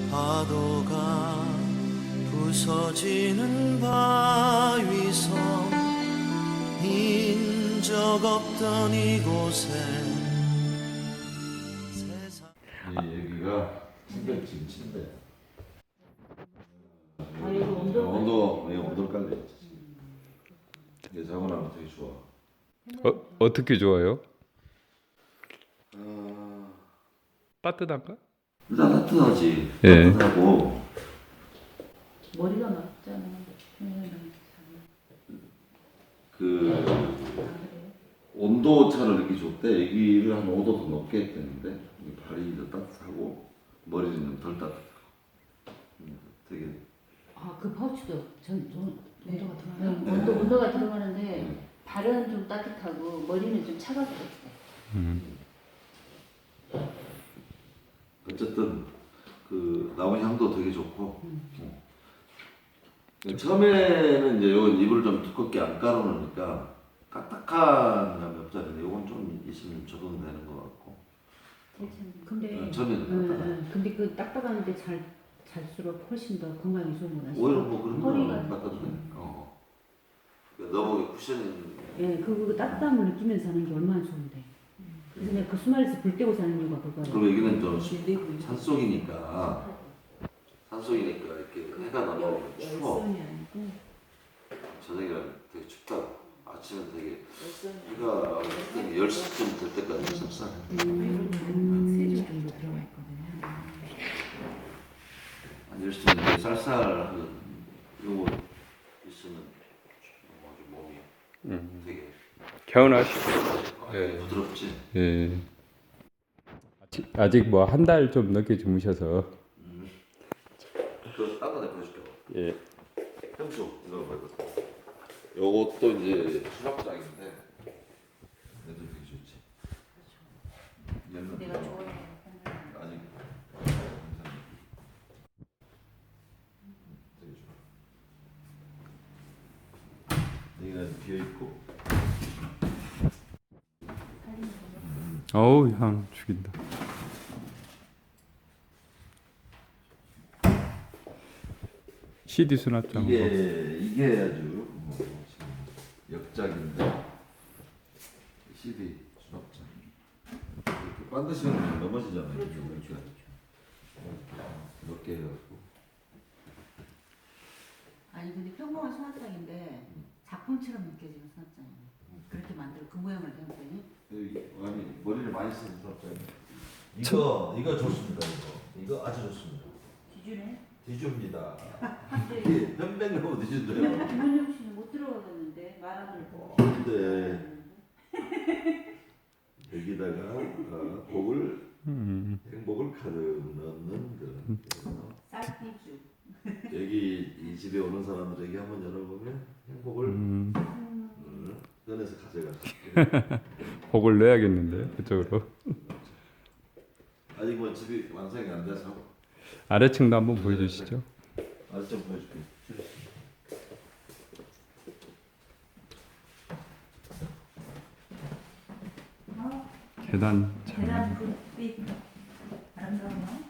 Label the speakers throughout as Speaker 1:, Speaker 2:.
Speaker 1: 파도가 부서지는 바위섬 인적 없던 이곳에 세상
Speaker 2: 여기가 침대 침대.
Speaker 3: 아, 여기
Speaker 2: 온도 깔려 있지. 이게 자고 나면 되게 좋아.
Speaker 4: 어떻게 좋아요?
Speaker 2: 아,
Speaker 4: 따뜻한가?
Speaker 2: 일단 따뜻하지.
Speaker 4: 예.
Speaker 2: 따뜻하고
Speaker 3: 머리가 맞잖아.
Speaker 2: 그 온도 차를 느끼기 좋대. 여기를 한 5도 더 높게 했다는데 발이 더 따뜻하고 머리는 덜 따뜻하고. 되게
Speaker 3: 그 파우치도 온도가 들어가요.
Speaker 2: 네.
Speaker 3: 온도가 들어가는데 발은 좀 따뜻하고 머리는 좀 차갑게.
Speaker 2: 어쨌든 그 나온 향도 되게 좋고. 처음에는 이제 요 잎을 좀 두껍게 안 깔아놓으니까 딱딱한 감이 없잖아요. 요건 좀 있으면 적응이 되는 것 같고.
Speaker 3: 근데
Speaker 2: 처음에는
Speaker 3: 근데 그 딱딱한데 잘수록 훨씬 더 건강에 좋은 거 같아요.
Speaker 2: 오히려 뭐 그런
Speaker 3: 허리가
Speaker 2: 거는 갖다 주네. 너무 쿠션이.
Speaker 3: 예, 그 따뜻함을 느끼면서 하는 게 얼마나 좋은데. 그래서 내가 그 수말에서 불 떼고 사는 이유가 그거예요.
Speaker 2: 그리고 여기는 좀 산속이니까 이렇게 해가 나면 추워. 저녁이라 되게 춥다. 아침에 되게 비가 10시쯤 될 때까지 습산해.
Speaker 3: 세줄 정도 들어가 있거든요.
Speaker 2: 한 10시쯤 되게 쌀쌀하면 요거 있으면 몸이 되게
Speaker 4: 개운하시고. 예.
Speaker 2: 부드럽지.
Speaker 4: 예. 아직 뭐 한 달 좀 넘게 주무셔서.
Speaker 2: 그 딴 거 내가 보여줄게.
Speaker 4: 예.
Speaker 2: 향수 이거 봐요. 요것도 이제 수납장인데 얘도 되게 좋지. 얘는
Speaker 3: 내가 좋아하는
Speaker 2: 아직 되게 좋아. 여기는 비어 있고.
Speaker 4: 어우, 향 죽인다. CD 수납장.
Speaker 2: 이게 아주 역작인데 CD 수납장. 이렇게 반드시면 넘어지잖아요. 이렇게 넓게 해갖고.
Speaker 3: 아니 근데 평범한 수납장인데 작품처럼 느껴지는 수납장이에요. 그렇게 만들어 그 모양을 된 거니?
Speaker 2: 아니 머리를 많이 쓰는 수납장.
Speaker 5: 이거 좋습니다. 이거 아주 좋습니다.
Speaker 3: 기준에?
Speaker 5: 디주입니다.
Speaker 2: 이게 편백나무 드신대요.
Speaker 3: 김원영 씨는 못 들어가겠는데 말하는 거.
Speaker 2: 근데 여기다가 복을 행복을 가득 넣는 그런
Speaker 3: 쌀티주.
Speaker 2: 여기 이 집에 오는 사람들에게 한번 열어보면 행복을 꺼내서 가져갈
Speaker 4: 복을 내야겠는데 그쪽으로.
Speaker 2: 아직 뭐 집이 완성이 안 돼서
Speaker 4: 아래층도 한번 보여주시죠.
Speaker 2: 아직 좀 보여줄게.
Speaker 4: 계단 잘.
Speaker 3: 계란 불빛 아름다워요.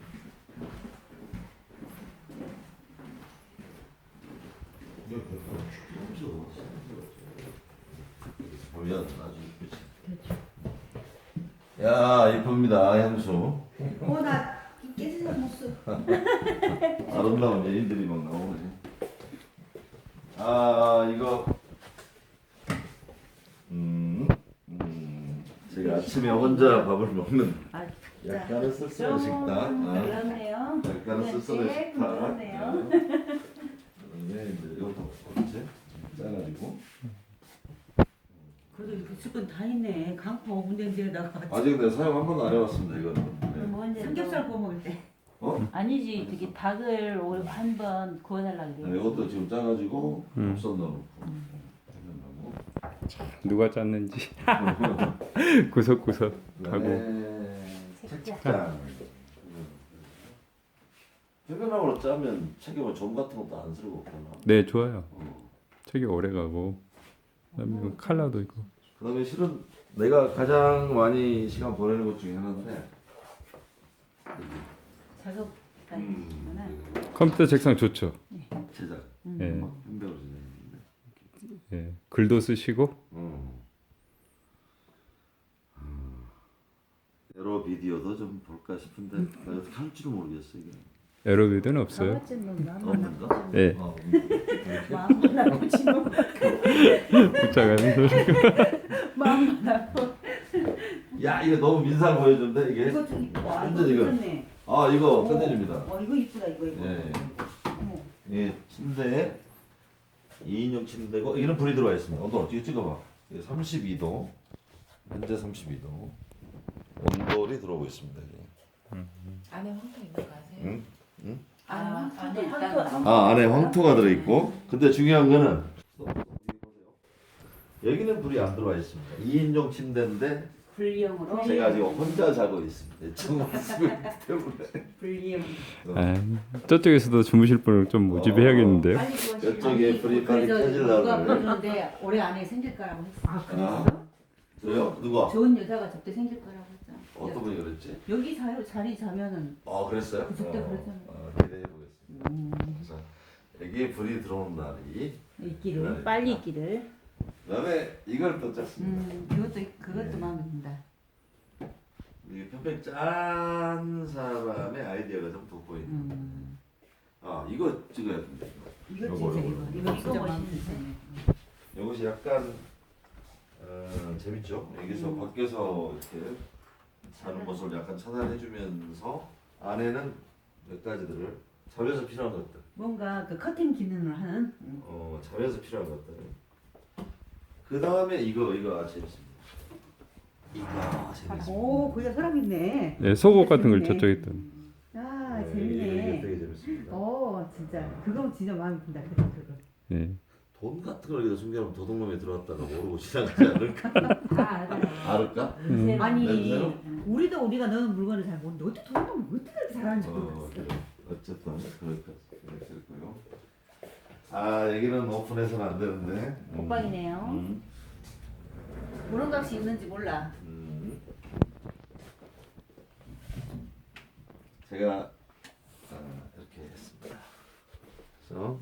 Speaker 2: 보면 아주 이쁘지. 야 이쁩니다 향수.
Speaker 3: 나 깨지는 모습.
Speaker 2: 아름다운 여인들이 막 나오네. 이거 제가 아침에 혼자 밥을 먹는 약간은 쓸쓸한 식당.
Speaker 3: 그렇네요.
Speaker 2: 약간은 쓸쓸한 식당.
Speaker 3: 그렇네요.
Speaker 2: 이제 이것도 어째 짜가지고.
Speaker 3: 그래도 이렇게 수건 다 있네. 강파 5분 된 데다가.
Speaker 2: 아직 내가 사용 한 번도 안 해봤습니다 이거는. 네.
Speaker 3: 삼겹살 구워 먹을 때.
Speaker 6: 아니지, 저기 닭을 한번 구워달라고
Speaker 2: 네,
Speaker 6: 그래.
Speaker 2: 이것도 지금 짜가지고 곱선 넣어놓고.
Speaker 4: 누가 짰는지 구석구석 하고.
Speaker 2: 책장. 해변하고 짜면 책에 뭐 점 같은 것도 안 쓰고 없구나.
Speaker 4: 네, 좋아요. 책이 오래 가고. 그다음에 컬러도 있고.
Speaker 2: 그다음에 실은 내가 가장 많이 시간 보내는 것 중에 하나인데
Speaker 3: 작업
Speaker 6: 하시구나.
Speaker 4: 컴퓨터 책상 좋죠.
Speaker 2: 제작.
Speaker 4: 예.
Speaker 2: 현대로 진행했는데.
Speaker 4: 예. 글도 쓰시고.
Speaker 2: 에러 비디오도 좀 볼까 싶은데 나 어떻게 할 줄은 모르겠어 이게.
Speaker 4: 에러비드는 없어요.
Speaker 2: 없는가?
Speaker 4: 예.
Speaker 6: 마음만 하고 지금
Speaker 4: 붙잡아서.
Speaker 6: 마음만 하고.
Speaker 2: 야 이거 너무 민상 보여준데 이게.
Speaker 3: 이거 좀 이쁘다.
Speaker 2: 완전 이거.
Speaker 3: 괜찮네.
Speaker 2: 아 이거 끝내줍니다.
Speaker 3: 이거 이쁘다 이거.
Speaker 2: 예.
Speaker 3: 어머.
Speaker 2: 예, 침대에 2인용 침대고 이런 불이 들어와 있습니다. 온도 어떻게 찍어봐. 이게 32도, 현재 32도. 온돌이 들어오고 있습니다. 이게.
Speaker 7: 안에 황토 있는 거 아세요?
Speaker 2: 응? 응?
Speaker 6: 안에
Speaker 2: 아 안에 황토가 들어있고. 근데 중요한 거는 여기는 불이 안 들어와 있습니다. 2인용 침대인데
Speaker 6: 불리형으로.
Speaker 2: 제가 지금 혼자 자고 있습니다. 지금 때문에.
Speaker 6: 불리형.
Speaker 4: 아, 저쪽에서도 주무실 분을 좀 모집해야겠는데요.
Speaker 3: 빨리 구하시면
Speaker 2: 이쪽에 불이 빨리
Speaker 3: 그래서
Speaker 2: 켜지려고
Speaker 3: 누가
Speaker 2: 그래.
Speaker 3: 그러는데 올해 안에 생길 거라고 했어. 아
Speaker 2: 아, 저요? 누가?
Speaker 3: 좋은 여자가 저때 생길 거라고 했잖아.
Speaker 2: 어떤 분이 그랬지?
Speaker 3: 여기 자리 자면은
Speaker 2: 그랬어요?
Speaker 3: 그때 그랬잖아요.
Speaker 2: 기대해 보겠습니다. 그래서 여기에 불이 들어오는 날이
Speaker 6: 있기를 빨리 있기를.
Speaker 2: 그다음에 이걸 또 짰습니다.
Speaker 3: 그것도 마음에 든다.
Speaker 2: 이게 편백 짠 사람의 아이디어가 좀 돋보이는. 이거 찍어야 된다.
Speaker 3: 이거
Speaker 2: 요거,
Speaker 3: 진짜
Speaker 2: 요거.
Speaker 3: 이거 진짜
Speaker 6: 이거
Speaker 3: 마음에
Speaker 6: 멋있네.
Speaker 3: 드네.
Speaker 2: 이것이 약간 재밌죠. 여기서 밖에서 이렇게 사는 모습을 약간 차단해주면서 안에는 몇 가지들을 자면서 필요한 것들.
Speaker 3: 뭔가 그 커튼 기능을 하는.
Speaker 2: 자면서 필요한 것들. 그 다음에 이거 재밌습니다. 이거 재밌습니다.
Speaker 3: 오 거기가 서랍 있네.
Speaker 4: 예, 속옷 같은 걸
Speaker 3: 재밌네.
Speaker 4: 저쪽에 또.
Speaker 3: 아
Speaker 2: 이게
Speaker 3: 재밌네.
Speaker 2: 되게 재밌습니다.
Speaker 3: 진짜 그거 진짜 마음에 든다. 그거.
Speaker 4: 예.
Speaker 2: 돈 같은 걸 여기다 숨겨놓으면 도둑놈이 들어왔다가 모르고 지나가지 않을까?
Speaker 3: 다 알아요.
Speaker 2: 알을까?
Speaker 3: 아니
Speaker 2: 냄새로?
Speaker 3: 우리가 넣은 물건을 잘 모르는데 어떻게 돈을 어떻게 그렇게 잘하는지 모르겠어.
Speaker 2: 그래. 어쨌든 그렇고요. 여기는 오픈해서는 안 되는데.
Speaker 6: 옷방이네요.
Speaker 3: 무릉각시 있는지 몰라.
Speaker 2: 제가 이렇게 했습니다. 그래서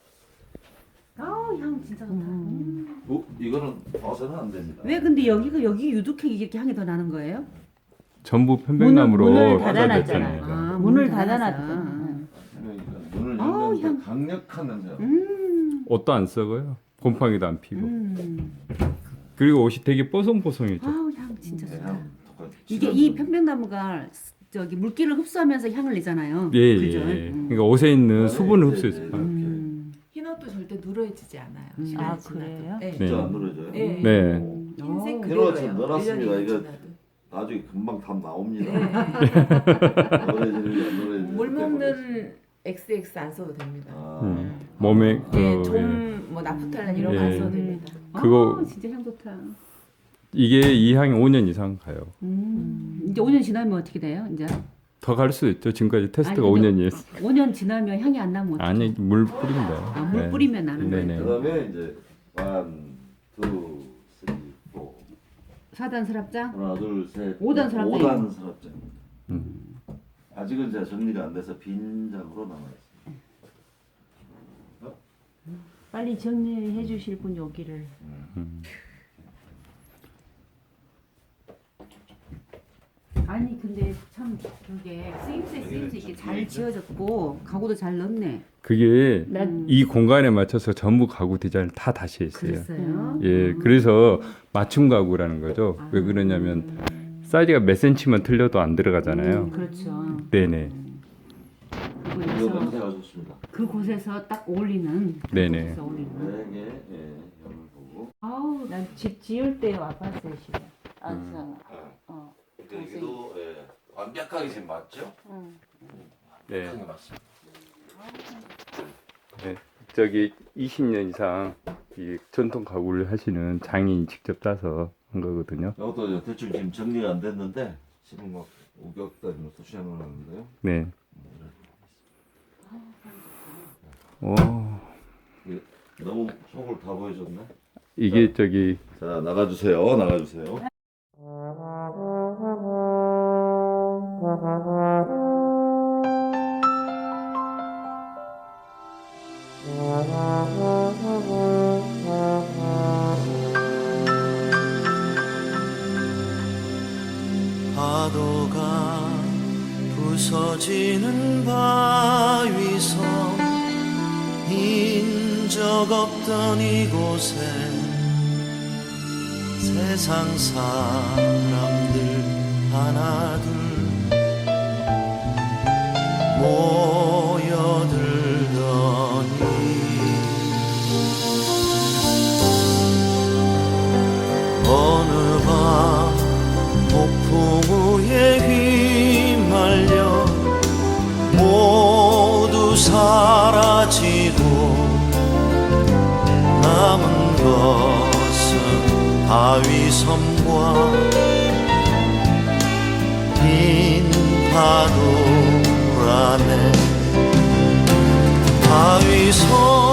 Speaker 3: 향 진짜 좋다.
Speaker 2: 이거는 봐서는 안 됩니다.
Speaker 3: 왜 근데 여기 유독하게 이렇게 향이 더 나는 거예요?
Speaker 4: 전부 편백나무로
Speaker 6: 문을
Speaker 4: 화장됐잖아요.
Speaker 6: 닫아놨잖아요. 문을 닫아놨죠.
Speaker 2: 그러니까 문을
Speaker 3: 아우,
Speaker 2: 열면
Speaker 3: 향.
Speaker 2: 강력한 냄새가.
Speaker 4: 옷도 안 썩어요. 곰팡이도 안 피고. 그리고 옷이 되게 뽀송뽀송해져.
Speaker 3: 아우 향 진짜
Speaker 2: 네,
Speaker 3: 좋다.
Speaker 2: 향 똑같이.
Speaker 3: 이게 이 편백나무가 저기 물기를 흡수하면서 향을 내잖아요.
Speaker 4: 예, 예.
Speaker 3: 그죠?
Speaker 4: 예. 그러니까 옷에 있는 수분을 흡수해서.
Speaker 2: 이렇게.
Speaker 7: 흰옷도 절대 누러지지 않아요.
Speaker 3: 음.
Speaker 7: 시간이
Speaker 6: 아,
Speaker 7: 지나도.
Speaker 6: 그래요?
Speaker 7: 네.
Speaker 2: 진짜
Speaker 4: 네.
Speaker 2: 안 누러져요?
Speaker 7: 네.
Speaker 4: 네.
Speaker 7: 흰색
Speaker 3: 오.
Speaker 7: 그대로예요.
Speaker 2: 좀 넣어놨습니다.
Speaker 7: 1년이
Speaker 2: 이거
Speaker 7: 지나도.
Speaker 2: 나중에 금방 답 나옵니다.
Speaker 7: 네.
Speaker 2: 노래지는 안 노래지는.
Speaker 7: 물 먹는 XX 안 써도 됩니다.
Speaker 4: 몸에
Speaker 7: 네,
Speaker 4: 예.
Speaker 7: 좀뭐 나프탈렌 이런 거 안
Speaker 4: 예.
Speaker 7: 써도 됩니다.
Speaker 4: 그거-
Speaker 3: 진짜 향 좋다.
Speaker 4: 이게 이 향이 5년 이상 가요.
Speaker 3: 이제 5년 지나면 어떻게 돼요? 이제
Speaker 4: 더 갈 수도 있죠. 지금까지 테스트가
Speaker 3: 아니, 근데
Speaker 4: 5년이었어.
Speaker 3: 5년 지나면 향이 안 나면 어떡해?
Speaker 4: 아니 물 뿌린다.
Speaker 3: 물 뿌리면 나는 거예요.
Speaker 4: 네네.
Speaker 2: 그다음에 이제 1, 2, 3, 4
Speaker 3: 4단 서랍장?
Speaker 2: 하나 둘 셋.
Speaker 3: 5단 서랍장.
Speaker 2: 5단 서랍장입니다.
Speaker 4: 음.
Speaker 2: 아직은 제가 정리가 안 돼서 빈 장으로 남아 있습니다.
Speaker 6: 빨리 정리해 주실 분 여기를.
Speaker 3: 아니 근데 참 그게 쓰임새 있게 잘 지어졌고 가구도 잘 넣네.
Speaker 4: 그게
Speaker 6: 난
Speaker 4: 이 공간에 맞춰서 전부 가구 디자인을 다 다시 했어요.
Speaker 3: 그랬어요?
Speaker 4: 예, 그래서 맞춤 가구라는 거죠. 왜 그러냐면 사이즈가 몇 센치만 틀려도 안 들어가잖아요.
Speaker 3: 그렇죠.
Speaker 4: 네네.
Speaker 2: 이거
Speaker 3: 그래서
Speaker 2: 냄새가 좋습니다.
Speaker 3: 그곳에서 딱 어울리는
Speaker 4: 네네.
Speaker 3: 그곳에서 어울리는.
Speaker 2: 되게 형을 보고.
Speaker 3: 아우
Speaker 6: 난 집 지을 때 와봤어요 집에.
Speaker 2: 아, 그러니까 여기도 완벽하게 지금 맞죠?
Speaker 4: 네.
Speaker 2: 완벽하게 맞습니다.
Speaker 4: 네. 저기 20년 이상 이 전통 가구를 하시는 장인이 직접 따서 한 거거든요.
Speaker 2: 이것도 대충 지금 정리가 안 됐는데 지금 막 우격다니면서 수행을 하는데요.
Speaker 4: 네. 오,
Speaker 2: 너무 속을 다 보여줬네.
Speaker 4: 이게 저기
Speaker 2: 자 나가주세요. 나가주세요.
Speaker 1: 부서지는 바위섬 인적 없던 이곳에 세상 사람들 하나둘 모여들더니 어느 밤 폭풍 후에 휘말려 모두 사라지고 남은 것은 바위섬과 빈 파도라네 바위섬